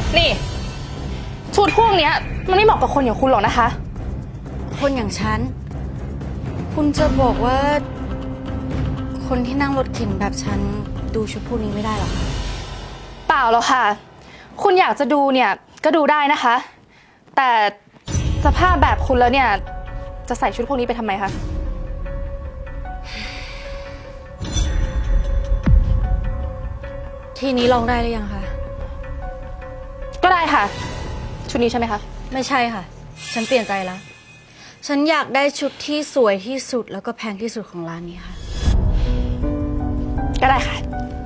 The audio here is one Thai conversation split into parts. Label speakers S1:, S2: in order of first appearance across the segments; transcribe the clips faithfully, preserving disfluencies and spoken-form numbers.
S1: นี่ชุดพวกเนี้ยมันไม่เหมาะกับคนอย่างคุณหรอกนะคะ
S2: คนอย่างฉัน คุณจะบอกว่า คนที่นั่งรถเข็นแบบฉันดูชุดพวกนี้ไม่ได้หรอคะ
S1: เปล่าหรอกค่ะ คุณอยากจะดูเนี่ยก็ดูได้นะคะ แต่สภาพแบบคุณแล้วเนี่ยจะใส่ชุดพวกนี้ไปทำไมคะ
S2: ทีนี้ลองได้หรือยังคะ
S1: ก็ได้ค่ะ ชุดนี้ใช่ไหมคะ
S2: ไม่ใช่ค่ะ ฉันเปลี่ยนใจแล้ว ฉันอยากได้ชุดที่สวยที่สุดแล้วก็แพงที่สุดของร้านนี้ค่ะ
S1: ก็ได้ค่ะ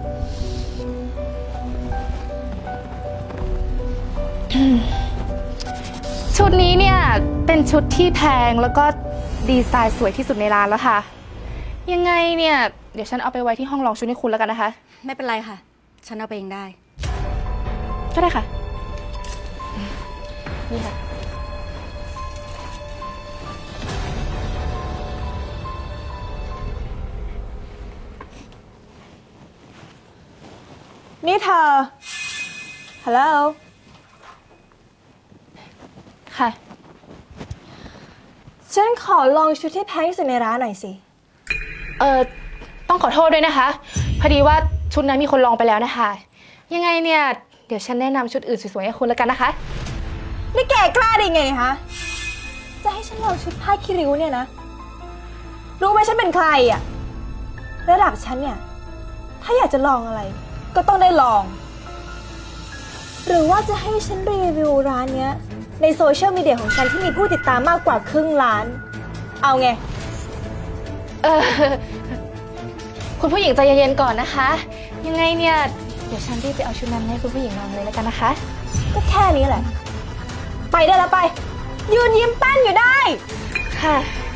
S1: ชุดนี้เนี่ยเป็นชุดที่แพงแล้วก็ดีไซน์สวยที่สุดในร้านแล้วค่ะ ยังไงเนี่ยเดี๋ยวฉันเอาไปไว้ที่ห้องลองชุดให้คุณแล้วกันนะคะ
S2: ไม่เป็นไรค่ะ ฉันเอาไปเองได้
S1: ก็ได้ค่ะ นี่ค่ะ
S3: นี่เธอ ฮัลโหล
S1: ค่ะ
S3: ฉันขอลองชุดที่แพงที่สุดในร้านหน่อยสิ
S1: เอ่อ ต้องขอโทษด้วยนะคะ พอดีว่าชุดนั้นมีคนลองไปแล้วนะคะ ยังไงเนี่ยเดี๋ยวฉันแนะนำชุดอื่นสวยๆให้คุณแล้วกันนะคะ
S3: นี่แกกล้าได้ไงเนี่ยฮะ จะให้ฉันลองชุดผ้าคิริ้วเนี่ยนะ รู้ไหมฉันเป็นใครอะระดับฉันเนี่ย ถ้าอยากจะลองอะไร ก็ต้องได้ลอง หรือว่าจะให้ฉันรีวิวร้านเนี้ยในโซเชียลมีเดียของฉันที่มีผู้ติดตามมากกว่าครึ่งล้าน เอาไง
S1: เออ คุณผู้หญิงใจเย็นๆก่อนนะคะ ยังไงเนี่ยเดี๋ยวฉันรีบไปเอาชุดนั้นให้คุณผู้หญิงลองเลยแล้วกันนะคะ
S3: ก็แค่นี้แหละ ไปได้แล้วไป ยืนยิ้มแป้นอยู่ได้
S1: ค่ะ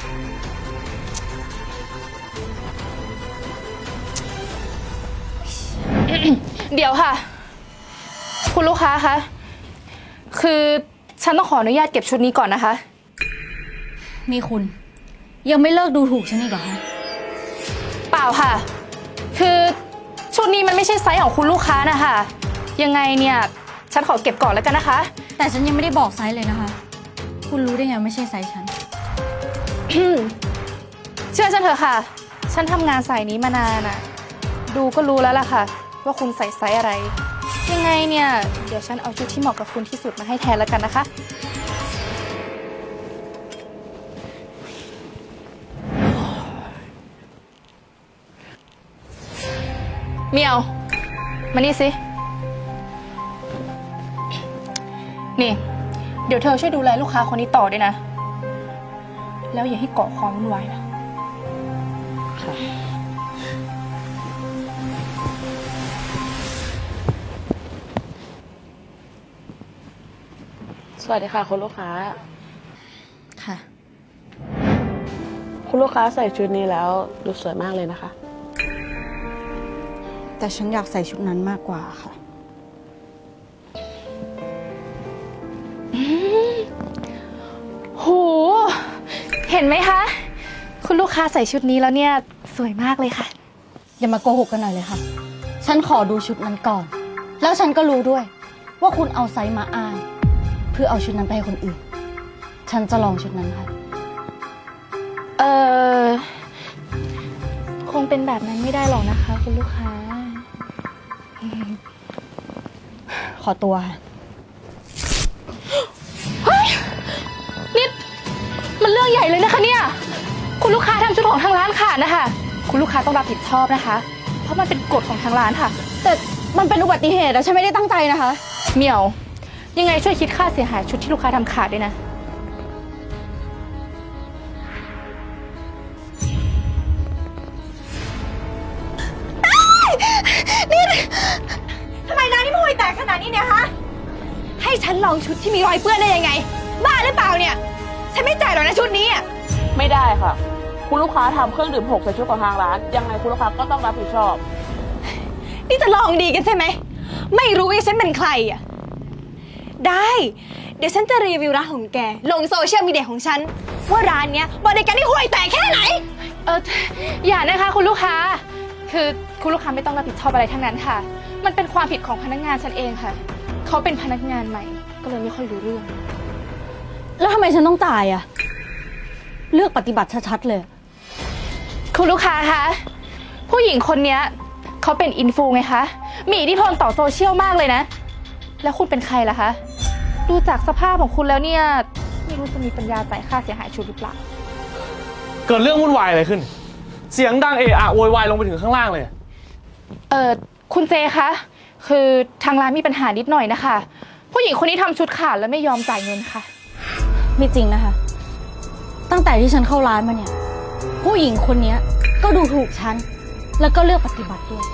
S1: เดี๋ยวค่ะ คุณลูกค้าคะ คือฉันต้องขออนุญาตเก็บชุดนี้ก่อนนะคะ
S2: นี่คุณ ยังไม่เลิกดูถูกฉันอีกเหรอคะ
S1: เปล่าค่ะ คือชุดนี้มันไม่ใช่ไซส์ของคุณลูกค้านะคะ ยังไงเนี่ยฉันขอเก็บก่อนแล้วกันนะคะ
S2: แต่ฉันยังไม่ได้บอกไซส์เลยนะคะ คุณรู้ได้ไงไม่ใช่ไซส์ฉัน
S1: เชื่อฉันเถอะค่ะ ฉันทำงานสายนี้มานานอะดูก็รู้แล้วล่ะค่ะ ว่าคุณใส่ไซส์อะไร ยังไงเนี่ยเดี๋ยวฉันเอาชุดที่เหมาะกับคุณที่สุดมาให้แทนแล้วกันนะคะ เมียว มานี่สิ นี่ เดี๋ยวเธอช่วยดูแลลูกค้าคนนี้ต่อด้วยนะ แล้วอย่าให้เกาะความวุ่นวายนะ
S4: สวัสดีค่ะคุณลูกค้า
S2: ค่ะ
S4: คุณลูกค้าใส่ชุดนี้แล้วดูสวยมากเลยนะคะ
S2: แต่ฉันอยากใส่ชุดนั้นมากกว่าค่ะ
S1: โห เห็นไหมคะ คุณลูกค้าใส่ชุดนี้แล้วเนี่ยสวยมากเลยค่ะ
S2: อย่ามาโกหกกันหน่อยเลยค่ะ ฉันขอดูชุดนั้นก่อน แล้วฉันก็รู้ด้วย ว่าคุณเอาไซส์มาอ้าง เพื่อเอาชุดนั้นไปให้คนอื่น ฉันจะลองชุดนั้นค่ะ
S1: เออคงเป็นแบบนั้นไม่ได้หรอกนะคะ คุณลูกค้า
S2: ขอตัวค่ะ
S1: นี่มันเรื่องใหญ่เลยนะคะเนี่ย คุณลูกค้าทำชุดของทางร้านขาดนะคะ คุณลูกค้าต้องรับผิดชอบนะคะ เพราะมันเป็นกฎของทางร้านค่ะ
S2: แต่มันเป็นอุบัติเหตุอะฉันไม่ได้ตั้งใจนะคะ
S1: เหมียว ยังไงช่วยคิดค่าเสียหายชุดที่ลูกค้าทำขาดด้วยนะ
S3: ทำไมร้านนี้มันห่วยแตกขนาดนี้เนี่ยฮะ ให้ฉันลองชุดที่มีรอยเปื้อนได้ยังไง บ้าหรือเปล่าเนี่ย ฉันไม่จ่ายหรอกนะชุดนี้อ่ะ
S4: ไม่ได้ค่ะ คุณลูกค้าทำเครื่องดื่มหกใส่ชุดของทางร้าน ยังไงคุณลูกค้าก็ต้องรับผิดชอบ
S3: นี่จะลองดีกันใช่ไหม ไม่รู้ว่าฉันเป็นใครอ่ะ ได้ เดี๋ยวฉันจะรีวิวร้านของแก ลงโซเชียลมีเดียของฉัน ว่าร้านเนี้ยบริการที่ห่วยแตกแค่ไหน
S1: เอออย่านะคะคุณลูกค้า คือคุณลูกค้าไม่ต้องรับผิดชอบอะไรทั้งนั้นค่ะ มันเป็นความผิดของพนักงานฉันเองค่ะเขาเป็นพนักงานใหม่ ก็เลยไม่ค่อยรู้เรื่อง
S2: แล้วทำไมฉันต้องจ่ายอะเลือกปฏิบัติชัดๆเลย
S1: คุณลูกค้าคะผู้หญิงคนเนี้ยเขาเป็นอินฟูไงคะมีอิทธิพลต่อโซเชียลมากเลยนะ แล้วคุณเป็นใครล่ะคะดูจากสภาพของคุณแล้วเนี่ยไม่รู้จะมีปัญญาจ่ายค่าเสียหายชุดหรือเปล่า
S5: เกิดเรื่องวุ่นวายอะไรขึ้น เสียงดังเอะอะโวยวายลงไปถึงข้างล่างเลย
S1: เออคุณเจคะคือทางร้านมีปัญหานิดหน่อยนะคะ ผู้หญิงคนนี้ทำชุดขาดแล้วไม่ยอมจ่ายเงินค่ะ
S2: ไม่จริงนะคะ ตั้งแต่ที่ฉันเข้าร้านมาเนี่ย ผู้หญิงคนเนี้ยก็ดูถูกฉัน แล้วก็เลือกปฏิบัติด้วย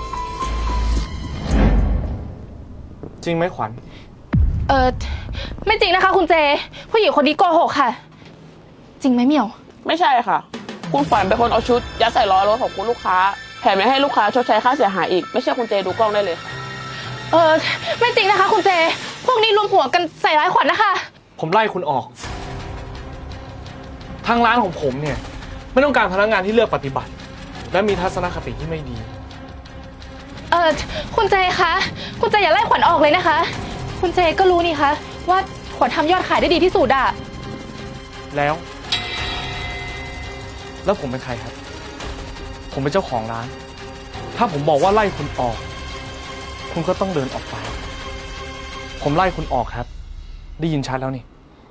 S5: จริงไหมขวัญ
S1: เออไม่จริงนะคะ คุณเจ ผู้หญิงคนนี้โกหกค่ะ จริงไหมเหมียว
S4: ไม่ใช่ค่ะ คุณขวัญเป็นคนเอาชุดยัดใส่ล้อรถของคุณลูกค้าแถมยังให้ลูกค้าชดใช้ค่าเสียหายอีกไม่เชื่อคุณเจดูกล้องได้เลยค่ะ
S1: เออไม่จริงนะคะ คุณเจ พวกนี้รวมหัวกันใส่ร้ายขวัญนะคะ
S5: ผมไล่คุณออก ทางร้านของผมเนี่ย ไม่ต้องการพนักงานที่เลือกปฏิบัติ และมีทัศนคติที่ไม่ดี
S1: เออคุณเจคะคุณเจอย่าไล่ขวัญออกเลยนะคะ คุณเจก็รู้นี่คะว่าขวัญทำยอดขายได้ดีที่สุดอะ
S5: แล้ว แล้วผมเป็นใครครับ ผมเป็นเจ้าของร้าน ถ้าผมบอกว่าไล่คุณออก คุณก็ต้องเดินออกไป ผมไล่คุณออกครับ ได้ยินชัดแล้วนี่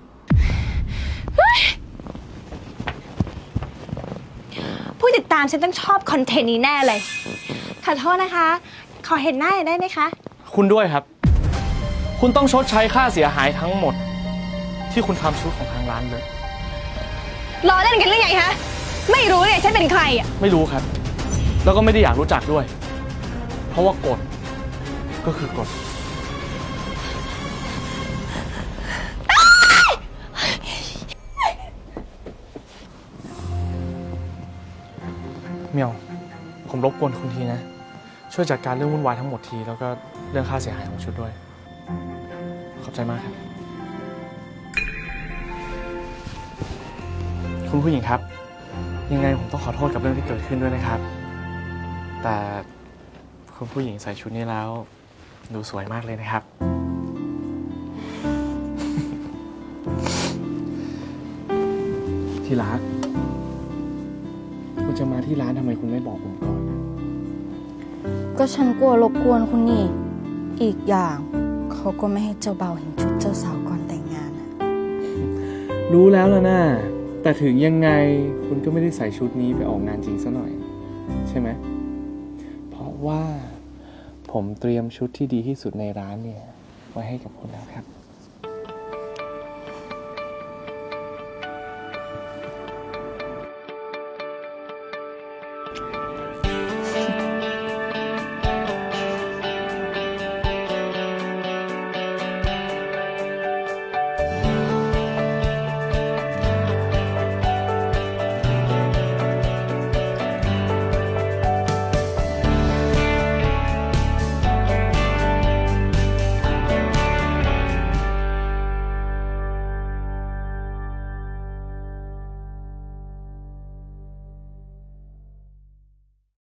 S3: ผู้ติดตามฉันต้องชอบคอนเทนต์นี้แน่เลย ขอโทษนะคะ ขอเห็นหน้าหน่อยได้ไหมคะ
S5: คุณด้วยครับ คุณต้องชดใช้ค่าเสียหายทั้งหมด ที่คุณทำชุดของทางร้านเลย
S3: ล้อเล่นกันหรือไงคะ ไม่รู้เนี่ยฉันเป็นใครอ่ะ
S5: ไม่รู้ครับ แล้วก็ไม่ได้อยากรู้จักด้วย เพราะว่ากฎก็คือกฎ เมียว ผมรบกวนคุณทีนะ ช่วยจัดการเรื่องวุ่นวายทั้งหมดที แล้วก็เรื่องค่าเสียหายของชุดด้วย ขอบใจมากครับ คุณผู้หญิงครับ ยังไงผมต้องขอโทษกับเรื่องที่เกิดขึ้นด้วยนะครับ แต่คุณผู้หญิงใส่ชุดนี้แล้ว ดูสวยมากเลยนะครับ ที่รัก คุณจะมาที่ร้านทำไมคุณไม่บอกผมก่อน
S2: ก็ฉันกลัวรบกวนคุณนี่ อีกอย่างเขาก็ไม่ให้เจ้าบ่าวเห็นชุดเจ้าสาวก่อนแต่งงานอะ
S5: รู้แล้วล่ะนะแต่ถึงยังไงคุณก็ไม่ได้ใส่ชุดนี้ไปออกงานจริงซะหน่อย ใช่ไหม เพราะว่าผมเตรียมชุดที่ดีที่สุดในร้านเนี่ย ไว้ให้กับคุณแล้วครับ